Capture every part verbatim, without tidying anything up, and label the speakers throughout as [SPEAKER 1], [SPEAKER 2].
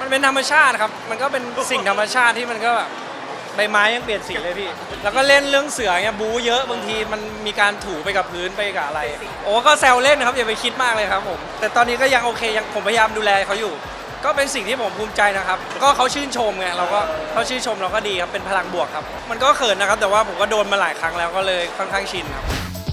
[SPEAKER 1] มันเป็นธรรมชาติครับมันก็เป็นสิ่งธรรมชาติที่มันก็แบบใบไม้ยังเปลี่ยนสีเลยพี่แล้วก็เล่นเรื่องเสือเนี่ยบู๊เยอะบางทีมันมีการถูไปกับพื้นไปกับอะไรโอ้ก็แซวเล่นนะครับอย่าไปคิดมากเลยครับผมแต่ตอนนี้ก็ยังโอเคยังผมพยายามดูแลเขาอยู่ก็เป็นสิ่งที่ผมภูมิใจนะครับก็เขาชื่นชมไงเราก็เขาชื่นชมเราก็ดีครับเป็นพลังบวกครับมันก็เขินนะครับแต่ว่าผมก็โดนมาหลายครั้งแล้วก็เลยค่อนข้างชินครับ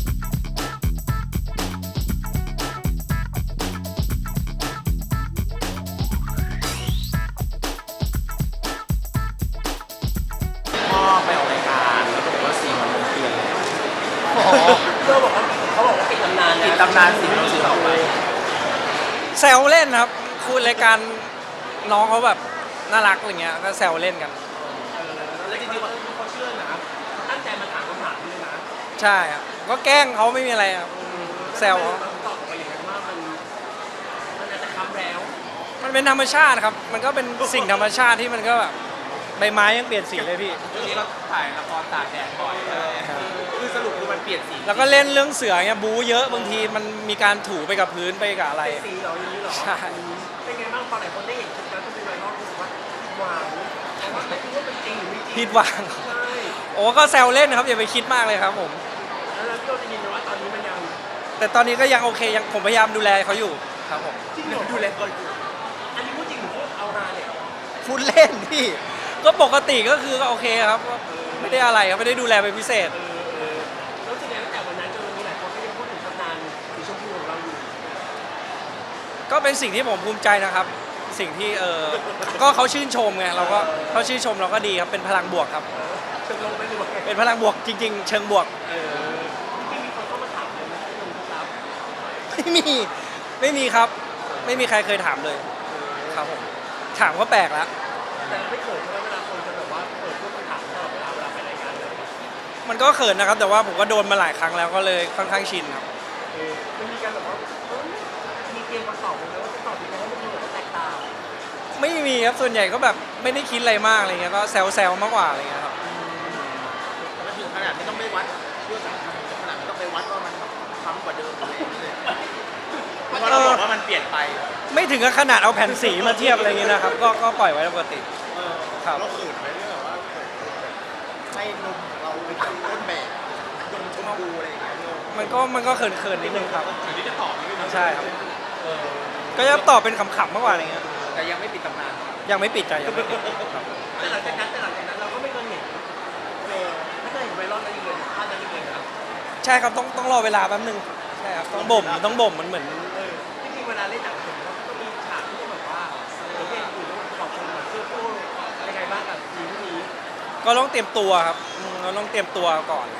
[SPEAKER 2] พ่อไปออกรายการแล้วก็บอกว่าสีมันเปลี่ยนเลย
[SPEAKER 3] เพื่อบอกว่าเขาบอกว่าปิดตำนานนะ
[SPEAKER 2] ปิดตำนานสีเราสีต่อไป
[SPEAKER 1] แซวเล่นครับคุยรายการน้องเขาแบบน่ารักอะไรเงี้ยก็แซวเล่นกัน
[SPEAKER 3] แล้วจริงๆเขาเขาเชื่อนะตั้งใจมาถามคำถามนี้เลยนะ
[SPEAKER 1] ใช่ครับก็แกล้งเขาไม่มีอะไรครับแซวเขา
[SPEAKER 3] ตอบออกไปอย่างนั้นว่ามันมันอาจจะคำแล้ว
[SPEAKER 1] มันเป็นธรรมชาติครับมันก็เป็นสิ่งธรรมชาติที่มันก็แบบใบไม้ยังเปลี่ยนสีเลยพี่
[SPEAKER 2] ช่วงนี้เราถ่ายละครตากแดดบ่อยคือสรุปคือมันเปลี่ยนสี
[SPEAKER 1] แล้วก็เล่นเรื่องเสือเนี่ยบู๊เยอะบางทีมันมีการถูไปกับพื้นไปกับอะไร
[SPEAKER 3] สีเหรออย่างนี้เหรอ
[SPEAKER 1] ใช่
[SPEAKER 3] เป็นไงบ้างพอหลายคนได้เห็นคลิปแล้วก็เป็นไวรัลรู้สึกว่าหวานแต่ว่าไม่รู้ว่าเป็นจริงหรือไม่จริง
[SPEAKER 1] ผิดหวัง
[SPEAKER 3] ใช่
[SPEAKER 1] โอ้ก็แซวเล่นนะครับอย่าไปคิดมากเลยครับผม
[SPEAKER 3] แล้วพี่โอจะยินดีว่าตอนนี้มันยัง
[SPEAKER 1] แต่ตอนนี้ก็ยังโอเคยังผมพยายามดูแลเขาอยู่ครับผม
[SPEAKER 3] จริงเหรอดูแลเขาอยู่อันนี้พูดจริงหรือพูดเอาฮาเนี่ย
[SPEAKER 1] พูดเล่นพี่ก็ปกติก็คือก็โอเคครับไม่ได้อะไรครับไม่ได้ดูแลเป็นพิเศษ
[SPEAKER 3] แล้วจริงๆตั้งแต่วันนั้นจนวันนี้หลายคนก็ยังพูดถึงตำนานสีชมพูของเราอยู่
[SPEAKER 1] ก็เป็นสิ่งที่ผมภูมิใจนะครับสิ่งที่เออก็เขาชื่นชมไงเราก็เขาชื่นชมเราก็ดีครับเป็นพลังบวกครับ
[SPEAKER 3] เชิงลงไปดู
[SPEAKER 1] เป็นพลังบวกจริงๆเชิงบวก
[SPEAKER 3] เออที่มีคนเข้ามาถามเลยนะที่ลงครับ
[SPEAKER 1] ไม่มีไม่มีครับไม่มีใครเคยถามเลยครับผมถามก็แปลกแล้ว
[SPEAKER 3] แต่ไม่เขินใช่ไหมเวลาคนจะแบบว่าเปิดพวกคำถามตลอดเวลาเวลาไปรายการเลย
[SPEAKER 1] มันก็เขินนะครับแต่ว่าผมก็โดนมาหลายครั้งแล้วก็เลยค่อนข้างชินครับ
[SPEAKER 3] มันมีการแบบว่ามีเกมมาตอบเลยว่าจะตอบยังไงให้มันดูแบบแตกต่าง
[SPEAKER 1] ไม่มีครับส่วนใหญ่ก็แบบไม่ได้คิดอะไรมากอะไรเงี้ยก็แซวๆมากกว่าอะไรเงี้ยครับ
[SPEAKER 2] แล้วถึงขนาดไม่ต้องไปวัดเรื่องขนาดไม่ต้องไปวัดว่ามันซ้ำกว่าเดิมอะไรเลยเพราะเราบอกว่ามันเปลี่ยนไป
[SPEAKER 1] ไม่ถึงกับขนาดเอาแผ่นสีมาเทียบอะไรเงี้ยนะครับก็ก็ปล่อยไว้ปกติ
[SPEAKER 2] ครับเราขืนไปเรื่องแบบว่าให้นมเราเป็นต้นแบบนมชมพูอะไรอย่างเงี้ย
[SPEAKER 1] มันก็มันก็เขินๆนิดนึงครับ
[SPEAKER 2] อันนี้จะตอบนิดนึง
[SPEAKER 1] ใช่ครับก็จะตอบเป็นขำๆมากกว่าอะไรเงี้ย
[SPEAKER 2] แต่ยังไม่ปิดตำนาน
[SPEAKER 1] ยังไม่ปิดใจยังไม่ปิด
[SPEAKER 3] แต่หลังจากนั้นแต่หลังจากนั้นเราก็ไม่เคยเห็นไม่เคยเห็นไวรัลนั้นอีกเลยภาพนั้นอีกเลยนะ
[SPEAKER 1] ใช่ครับต้องต้องรอเวลาแป๊บนึงใช่ครับต้องบ่มต้องบ่มมันเหมือน
[SPEAKER 3] จริงๆเวลาเล่นหนังผมก็มีฉากที่แบบว่าเราเล่นอยู่แล้วขอบคุณแบบเสื้อโค้ทยังไงบ้างกับทีมนี้
[SPEAKER 1] ก็ต้องเตรียมตัวครับเราต้องเตรียมตัวก่อน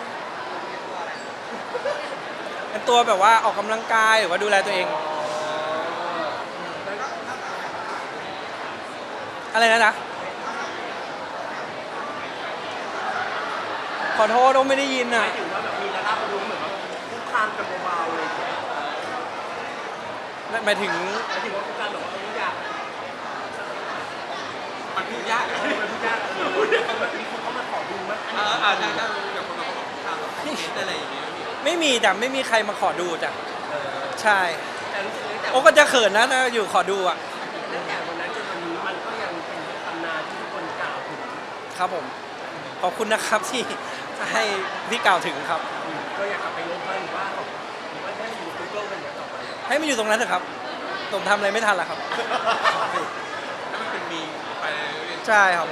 [SPEAKER 1] เป็นตัวแบบว่าออกกำลังกายหรือว่าดูแลตัวเองอะไรนะนะขอโทษเราไม่ได้ยินอ่ะ
[SPEAKER 3] หมายถึงว่าแบบมีระดับรู้เหมือนว่าคุกคามกันเบาๆเลย
[SPEAKER 1] หมายถึง
[SPEAKER 3] หมายถึงว่าคุกคามแบบว่าทุกอย่าง
[SPEAKER 2] มันพูดยาก
[SPEAKER 3] มันพูดยากมีคนเข้ามาขอดูมั้ย
[SPEAKER 2] อ่าอ่าใช่ใช่แบบคนมาขอคุกคามแบบอะไรอย่างเงี้ย
[SPEAKER 1] ไม่มีแต่ไม่มีใครมาขอดูจ้ะใช่
[SPEAKER 3] แต่รู้สึกแต่
[SPEAKER 1] โอ้ก็จะเขินนะถ้าอยู่ขอดูอ่ะ
[SPEAKER 3] ตั้งแต่วันนั้นจนวันนี้มันก็ยังเป็นตำนานที่ทุกคนกล่าวถึง
[SPEAKER 1] ครับผมขอบคุณนะครับที่ให้ที่กล่าวถึงครับ
[SPEAKER 3] ก็อยากกลับไปลบบ้างหรือว่าหรือว่าให้อยู่กูเกิลกันอย่างต่อไป
[SPEAKER 1] ให้มันอยู่ตรงนั้นเถอะครับผมทำอะไรไม่ทันละครับ
[SPEAKER 2] ถ้ามันเป็นมีไป
[SPEAKER 1] ใช่ครับ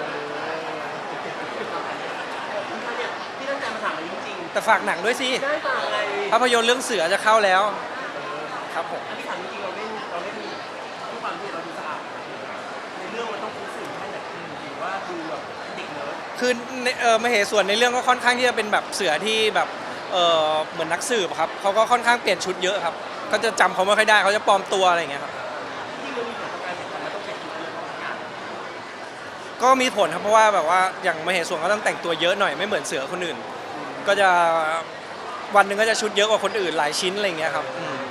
[SPEAKER 3] ที่ตั้งใจมาถามอันนี้จริง
[SPEAKER 1] แต่ฝากหนังด้วยสิ
[SPEAKER 3] ได้ฝากอะไร
[SPEAKER 1] ภาพยนตร์เรื่องเสือจะเข้าแล้วครับผม
[SPEAKER 3] อันที่ถามจริงเราเล่นเราเล่นทุกความที่เราดูสะอาดในเรื่องมันต้องคุ้นสื่อให้แบบหรือว่าดูแบบเด็กเนิร์ด
[SPEAKER 1] คือเออมเหส่วนในเรื่องก็ค่อนข้างที่จะเป็นแบบเสือที่แบบเออเหมือนนักสืบครับเขาก็ค่อนข้างเปลี่ยนชุดเยอะครับเขาจะจำเขาไม่ค่อยได้เขาจะปลอมตัวอะไรอย่างเงี้ยครับ
[SPEAKER 3] ที่มันมีผลต่อการแข่งขันมันต้องแข่งขันเรื่องของงาน
[SPEAKER 1] ก็มีผลครับเพราะว่าแบบว่าอย่างมเหส่วนก็ต้องแต่งตัวเยอะหน่อยไม่เหมือนเสือคนอื่นก็จะวันหนึ่งก็จะชุดเยอะกว่าคนอื่นหลายชิ้นอะไรอย่างเงี้ยครับ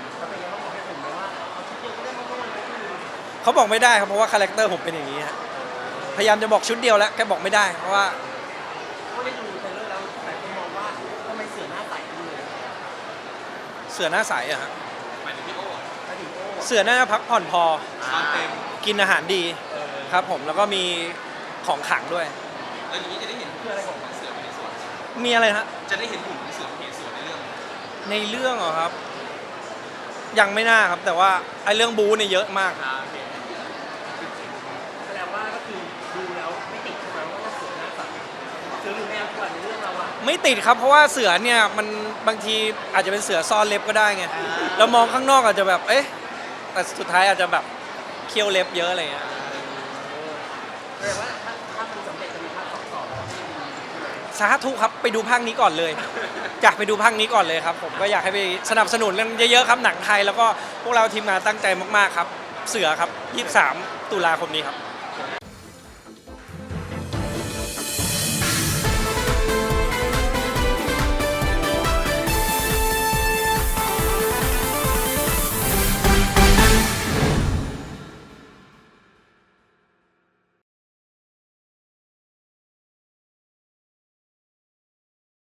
[SPEAKER 1] เขาบอกไม่ได้ครับเพราะว่าคาแรคเตอร์ผมเป็นอย่างนี้ฮะพยายามจะบอกชุดเดียวแล้วแกบอกไม่ได้เพราะว่า
[SPEAKER 3] เขาได้ดูเทรลเลอร์แล้วหลายคนมองว่าทำไมเสือหน้าใสจังเลย
[SPEAKER 1] เสือหน้าใสอะฮะ
[SPEAKER 2] หมายถึงพี่โอ้
[SPEAKER 1] เสือน่าจะพักผ่อนพอกินอาหารดีคครับผมแล้วก็มีของขลังด้วย
[SPEAKER 4] แล้วอย่างนี้จะได้เห็น
[SPEAKER 3] คืออะไรของ
[SPEAKER 4] เสือในสวน
[SPEAKER 1] มีอะไรฮะ
[SPEAKER 4] จะได้เห็นหุ่นของเสือในสวนในเรื่อง
[SPEAKER 1] ในเรื่องเหรอครับ ยังไม่น่าครับ แต่ว่าไอ้เรื่องบู๊เนี่ยเยอะมาก
[SPEAKER 4] อ่าโอเค
[SPEAKER 3] แสดงว่าก็คือดูแล้วไม่ติดใช่ไหมว่าเสือหน้าสัตว์เสือหรือแมวกว่าในเรื่องเราอะ
[SPEAKER 1] ไม่ติดครับเพราะว่าเสือเนี่ยมันบางทีอาจจะเป็นเสือซ่อนเล็บก็ได้ไงเรามองข้างนอกอาจจะแบบเอ๊ะแต่สุดท้ายอาจจะแบบเคี้ยวเล็บเยอะอะไรเงี้ย
[SPEAKER 3] แสดงว่าถ้าถ้ามันสำเร็จจะมีภาคสองต่อแล้วที่ดีใช่ไหม
[SPEAKER 1] สาธุครับไปดูภาคนี้ก่อนเลย อยากไปดูภาคนี้ก่อนเลยครับ ผมก็อยากให้ไปสนับสนุนกันเยอะๆครับหนังไทยแล้วก็พวกเราทีมงานตั้งใจมากๆครับ เสือครับยี่สิบสามตุลาคมนี้ครับ